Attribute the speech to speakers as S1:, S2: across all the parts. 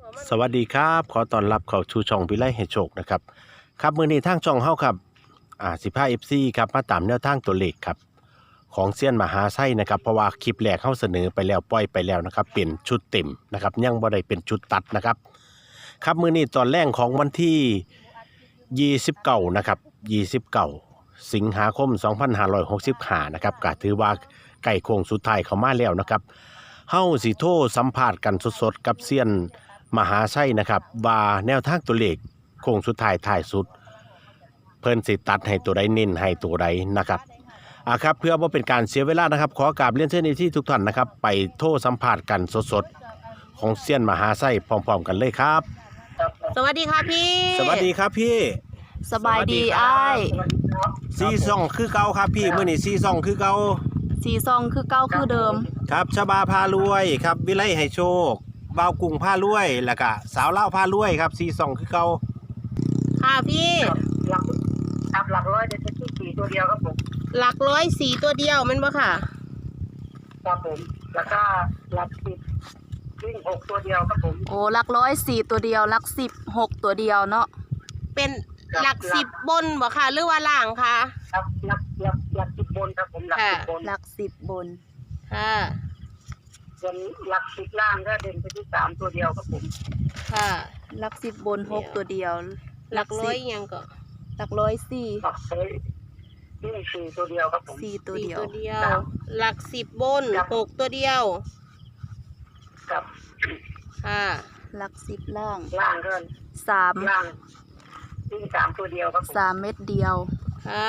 S1: สวัสดีครับขอต้อนรับเข้าชูช่องวิไลให้โชคนะครับครับมื้อนี้ทางช่องเฮาครับ15 FC ครับมาตามแนวทางตัวเลขครับของเซียนมหาไส้นะครับเพราะว่าคลิปแรกเฮาเสนอไปแล้วปล่อยไปแล้วนะครับเป็นชุดเต็มนะครับยังบ่ได้เป็นชุดตัดนะครับครับมื้อนี้ตอนแรกของวันที่29นะครับ29สิงหาคม2565นะครับก็ถือว่าใกล้โค้งสุดท้ายเข้ามาแล้วนะครับเฮาสิโทรสัมภาษณ์กันสดๆกับเซียนมหาไส้นะครับว่าแนวทางตัวเลขโค้งสุดท้ายท้ายสุดเพิ่นสิตัดให้ตัวใดเน้นให้ตัวใดนะครับครับเพื่อบ่เป็นการเสียเวลานะครับขอกราบเรียนเชิญที่ทุกท่านนะครับไปโทรสัมภาษณ์กันสดๆของเซียนมหาไส้พร้อมๆกันเลยครับ
S2: สวัสดีค่ะพี่
S1: สวัสดีครับพี่
S2: สบายดีอ้าย
S1: ซีซ่องคือเก่าครับพี่มื้อนี้ซีซ่องคือเก่า
S2: สีซองคือเก้าคือเดิม
S1: ครับชบาพารวยครับวิไลให้โชคบ่าวกุ้งพารวยแล้วก็สาวเล่าพารวยครับซีซ่องคือเก่า
S2: ค่ะพี่
S3: หลักร้อยเด็ดที่สี่ตัวเดียวครับผม
S2: หลักร้อยสีตัวเดียวมันบ่ค่ะ
S3: ครับผมแล้วก็หลักสิบวิ่งหกตัวเดียวครับผม
S2: โอ้หลักร้อยสี่ตัวเดียวหลักสิบหกตัวเดียวเนาะเป็นหลักสิบบนบ่ค่ะหรือว่าล่างค่ะ
S3: ครับหลักสิบบนครับผมหลักสิบบน
S2: หลักสิบบนค่ะ
S3: ส่วนหลักสิบล่างก็เด่นไปที่สามตัวเดียวครับผม
S2: ค่ะหลักสิบบนหกตัวเดียวหลักร้อยยังก็หลักร้อยสี่
S3: หลักร้อยวิ่งสี่ตัวเดียวครับผม
S2: สี่ตัวเดียวหลักสิบบนหกตัวเดียว
S3: ครับ
S2: ค่ะหลักสิบล่าง
S3: ก็
S2: สาม
S3: ล่างวิ่งสามตัวเดียวครับ
S2: สามเม็ดเดียวค่ะ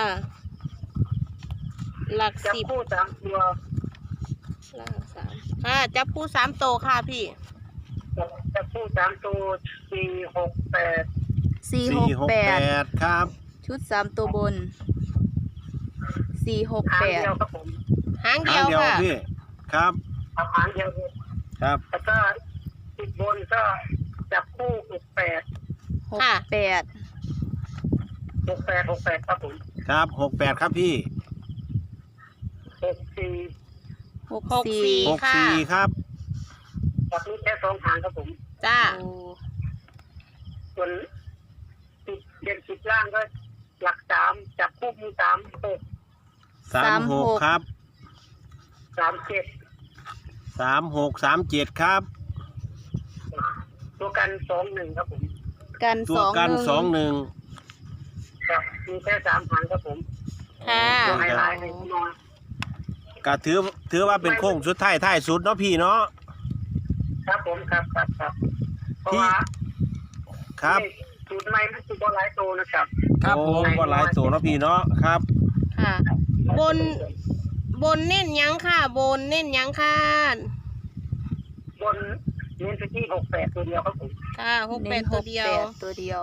S2: หลักสิบ
S3: พูดสามตัว
S2: ล่างสามค่ะจับคู่สามโตค่ะพี่
S3: จะพูดสามตัวสี่หกแปด
S1: ครับ
S2: ชุดสามตัวบน468
S3: ครับผม
S2: หางเดียวค่ะ
S1: พี่ครับ
S3: หางเดียว
S1: ครับ
S3: แล้วก็ติดบนก็จับคู่68
S2: ค่ะ
S3: 68ครับผม
S1: ครับ68ครับพี่
S3: 64
S1: ครับ
S3: แบบนี้แค่สองหางครับผม
S2: จ้า
S3: ส่วนติดเด่นติดล่างก็หลักสามจับคู่มี
S1: 36ครับ
S3: 37
S1: 3637ครับ
S3: ตัวกัน21ครับผม
S1: ตัวกัน21
S3: ครับมีแค่3หางครับผม
S2: ค่ะ
S3: ไฮไลท์ให้นอน
S1: ก็ถือว่าเป็นโค้งสุดท้ายสุดเนาะพี่เนาะ
S3: ครับผมครับเพราะว่า
S1: ครับ
S3: สูตรใหม่มันคือบอลไลท์โตนะครับ
S1: ครับผมบอลไลท์โตเนาะพี่เนาะครับ
S2: ค่ะบนเน้นยังค่ะบนเน้นยังค่ะ
S3: บนเน้นไปที่68ตัวเดียวครับผม
S2: ค่ะ68ตัวเดียว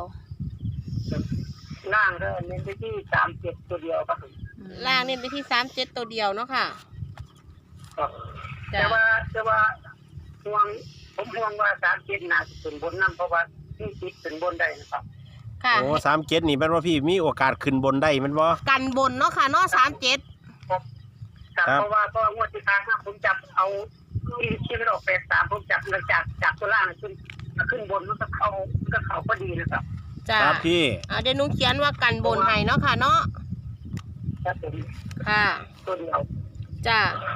S3: ล่างก็เน้นไปที่37ตัวเดียวครับผม
S2: ล่างเน้นไปที่37ตัวเดียวเนาะค่ะ
S3: ครับแต่ว่าห่วงว่า37น่าจะเป็นบนนำเพราะว่าที่ติดเป็นบนได้นะครับ
S2: ค่ะ
S1: โอ้37นี่แม่นว่าพี่มีโอกาสขึ้นบนได้แม่นบ่
S2: กันบนเนาะค่ะเนาะ37
S3: ครับเพราะว่างวดที่ผ่านมาผมจับเอาที่มันออก83ผมจับแล้วจากตัวล่างขึ้นบนมันก็เข้าพอดีนะครับ
S2: จ้า
S1: ครับพี่
S2: เดี๋ยวหนูเขียนว่ากันบนให้เนาะค่ะเนาะ
S3: ครับผม
S2: ค่ะ
S3: ตัวเดียว
S2: จ้า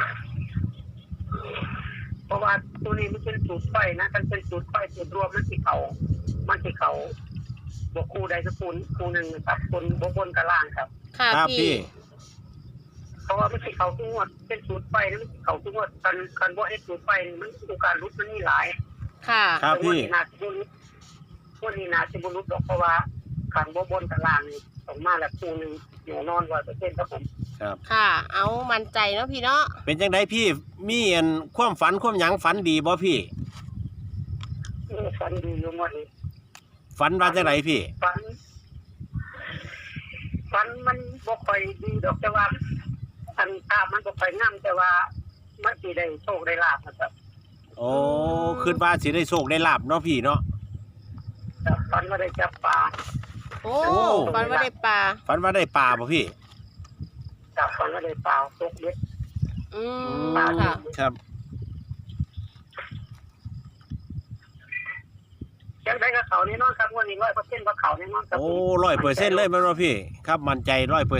S3: เพราะว่าตัวนี้มันเป็นสูตรไฟนะมันเป็นสูตรไฟสูตรรวมมันสิเขาบวกคู่ใดสักคู่หนึ่งครับบนกับล่างครับ
S2: ค่ะพี่
S3: เพราะว่ามันสิเขาทุกงวดเป็นสูตรไฟแล้วมันสิเขาทุกงวดกันว่าไอ้สูตรไฟมันโอกาสรุดมันมีหลาย
S2: ค่ะ
S1: ครับพี่
S3: วันนี้นาจะรุดหรอกเพราะว่าขันบนกับล่างนี่ออกมาแล้วคู่หนึ่งอยู่นอน100%ครับผม
S1: ครับ
S2: ค่ะเอามั่นใจเนาะพี่เนาะ
S1: เป็นจังไดพี่มีความฝันความหยังฝันดีบ่พี่
S3: ฝันดีอยู่หมดเลย
S1: ฝันว่าจังไดพี่
S3: ฝันมันบ่ค่อยดีดอกแต่ว่าภาพมันบ่ค่อยงามแต่ว่ามันสิได้โชคได้ลาภนะครับ
S1: โอ้คิดว่าสิได้โชคได้ลาภเนาะพี่เนาะ
S3: ฝันว่าได้จับปลา
S2: โอ้ฝันว่าได้ปลา
S1: บ่พี่
S3: จับฝันว่าได้ปลาตกเล็ด
S2: ค่ะ
S1: ครับ
S3: เขาแน่นอนครับวันนี้100%ว่าเขาแน่นอนครับ
S1: โอ้100%เลยแม่นบ่พี่ครับมั่นใจ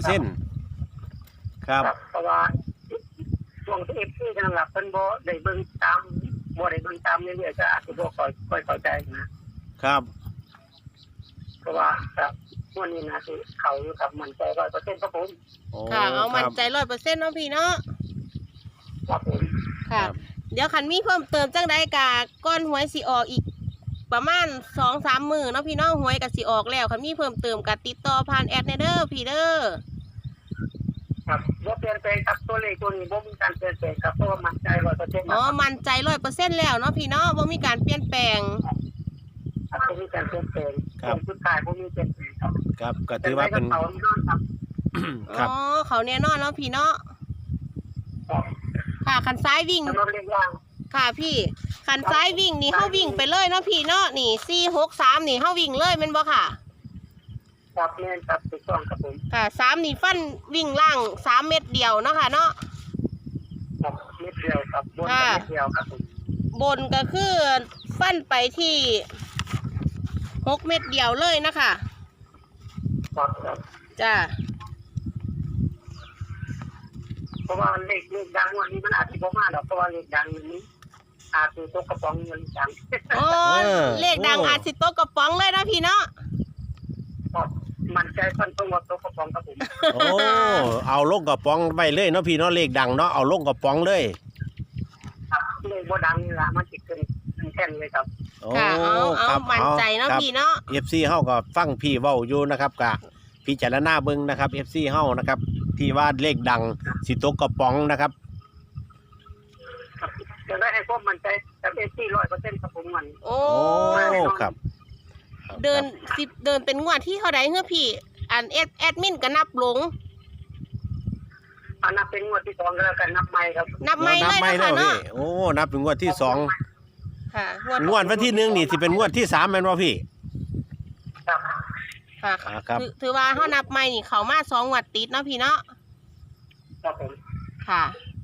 S1: 100%ครับ
S3: เพราะว่าช่วงที่FPนั่นล่ะเพิ่นบ่ได้เบิ่งตามเรื่อยๆก็อาจจะบ่ค่อยเข้าใจนะครับ เพราะว่าครับวันนี้นะที่เขาอยู่กับมั่นใจ100%ครับผม
S1: โอ้
S2: ค่ะเอามั่นใจ
S1: ครับ
S2: 100%เนาะพี่เนาะ
S3: ครับผม
S2: ค่ะ เดี๋ยวคันมีเพิ่มเติมจังใดกะก้อนหวยสิออกอีกประมาณ 2-3 มื้อเนาะพี่เนาะหวยก็สิออกแล้วคันมีเพิ่มเติมก็ติดต่อผ่านแอดเด้อพี่เด้อ
S3: ครับบ่เปลี่ยนแปลงครับตัวเลขตัวนี้บ่มีการเปลี่ยนแปลงครับเพราะว่ามั่นใจ100%
S2: อ๋อมั่นใจ 100% แล้วเนาะพี่เนาะบ่มีการเปลี่ยนแปลง
S3: ครับบ่มีการเปลี่ยนแปลงสุดท้ายบ่มีเปลี่ยนแปลงครับ
S1: ครับก็ถือว่าเป็น
S3: เขาแน่นอนครับ
S1: ครับ
S2: อ๋อเขาแน่นอนเนาะพี่เนาะ
S3: ครับ
S2: ค่ะคันซ้ายวิ่ง
S3: สำหรับเลขล่าง
S2: ค่ะพี่คันซ้ายวิ่งนี่เฮาวิ่งไปเลยเนาะพี่เนาะนี่463นี่เฮาวิ่งเลยแม่นบ่ค่ะ
S3: ครับแม่นครับถูกต้องครับผม
S2: ค่ะ3นี่ฟันวิ่งล่าง3เม็ดเดียวเนาะค่ะเนาะ
S3: ครับเม็ดเดียวครับบนกับเม็ดเดียวครับผม
S2: บนก็คือฟันไปที่6เม็ดเดียวเลยนะคะ
S3: ครับครับ
S2: จ้า
S3: เพราะว่าเลขดังวันนี้มันอาจจะบ่มาดอกเพราะว่าเลขดังนี้อาจจะตกกระป๋องเงินดัง
S2: โอ้เลขดังอาจสิโตะกระป๋องเลยนะพี่เนาะ
S3: ครับมันใจฟันตรงว่าตกกระป๋องครับผม
S1: โอ้เอาลงกระป๋องไว้เลยเนาะพี่เนาะเลขดังเนาะเอาลงกระป๋องเลย
S3: ครับเลขบ่ดังนี่ล่ะมันสิขึ้นแท่นเลยครับ
S1: โอ้
S2: ค่ะเอา
S1: ครับ
S2: มั่นใจเนาะ
S1: ครับ
S2: พี่เนาะ
S1: FC เฮาก็ฟังพี่เว้าอยู่นะครับกะพิจารณาเบิ่งนะครับ FC เฮานะครับที่ว่าเลขดังสิตกกระป๋องนะครับ
S3: ครับจะได้ให้พวกมันใจกับ100%ครับผมมัน
S2: โอ้
S1: โอ้ครับ
S2: เดินเป็นงวดที่เท่าใดเฮ้อพี่อันแอดมินก็นับหลง
S3: เอานับเป็นงวดที่2ก็แล้วกันนับใหม่ครับ
S2: นับไม่
S1: นับ
S2: เลย
S1: ไม่
S2: นะ
S1: แล้ว
S2: คะ
S1: พี่
S2: เนาะ
S1: โอ้นับถึงงวดที่สอง
S2: ค่ะ
S1: งวดวันที่1นี่สิเป็นงวดที่3แม่นบ่พี่
S3: ครับ
S2: ค่ะ
S1: ครับ
S2: ถือว่าเฮานับไม่นี่เขามา2งวดติดเนาะพี่เนาะ
S3: ครับผม
S2: ค่ะ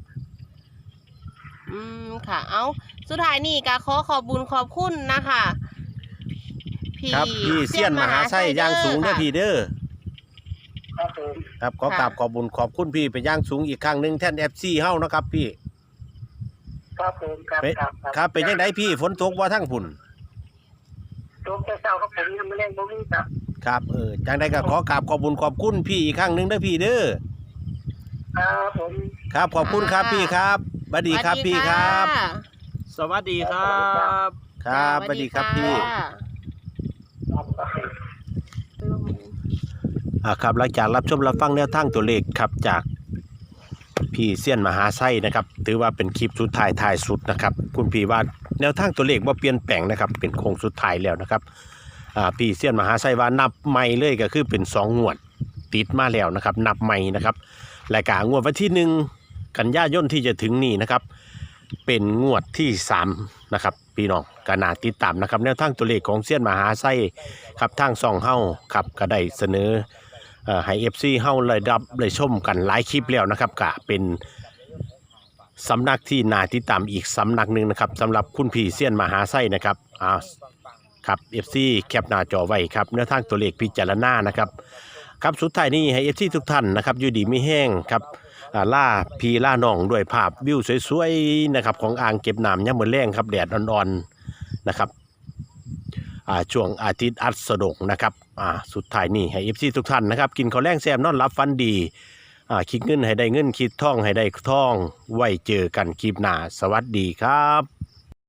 S2: ค่ะ เอาสุดท้ายนี่ก็ขอบบุญขอบคุณนะคะ
S1: ครับพี่เซียนมหาไส้ย่างสูงเด้อพี่เด้อ
S3: ครับผม
S1: ครับขอกราบขอบคุญขอบคุณพี่ไปย่างสูงอีกครั้งหนึงแท่น FC เฮานะครับพี่
S3: ครับผมครับ
S1: ครับเป็นจังไดพี่ฝนตกบ่ทั้งพุ่น
S3: ตกแต่เช้าครับผมยังไม่เล่นบ่มีครับ
S1: ครับจังไดก็ขอกราบขอบคุญขอบคุณพี่อีกครั้งหนึงเด้อพี่เด้อ
S3: ครับผม
S1: ครับขอบคุณครับพี่ครับสวัสดีครับพี่ครับ
S4: สวัสดีครับ
S1: ครับสวัสดีครับพี่
S3: ครับครับผม
S1: ครับหลังจากรับชมรับฟังแนวทางตัวเลขครับจากพี่เซียนมหาไส้นะครับถือว่าเป็นคลิปสุดท้ายสุดนะครับคุณพี่ว่าแนวทางตัวเลขว่าเปลี่ยนแปลงนะครับเป็นโค้งสุดท้ายแล้วนะครับพี่เซียนมหาไส้ว่านับใหม่เลยก็คือเป็น2งวดติดมาแล้วนะครับนับใหม่นะครับรายการงวดวันที่1กันยายนที่จะถึงนี้นะครับเป็นงวดที่3นะครับพี่น้องก็น่าติดตามนะครับแนวทางตัวเลขของเซียนมหาไส้ครับทางช่องเฮาครับก็ได้เสนอให้ FC เฮาเลยชมกันหลายคลิปแล้วนะครับก็เป็นสำนักที่น่าติดตามอีกสำนักหนึ่งนะครับสำหรับคุณพี่เซียนมหาไส้นะครับครับ FC แคปหน้าจอไว้ครับแนวทางตัวเลขพิจารณานะครับครับสุดท้ายนี้ให้ FC ทุกท่านนะครับอยู่ดีไม่แห้งครับล่าพี่ล่าน้องด้วยภาพวิวสวยๆนะครับของอ่างเก็บน้ำยามมื้อแลงครับแดดอ่อนๆนะครับช่วงอาทิตย์อัสดงนะครับสุดท้ายนี้ให้ FC ทุกท่านนะครับกินข้าวแรงแซมนอนหลับฝันดีคิดเงินให้ได้เงินคิดท่องให้ได้ท่องไว้เจอกันคลิปหน้าสวัสดีครับ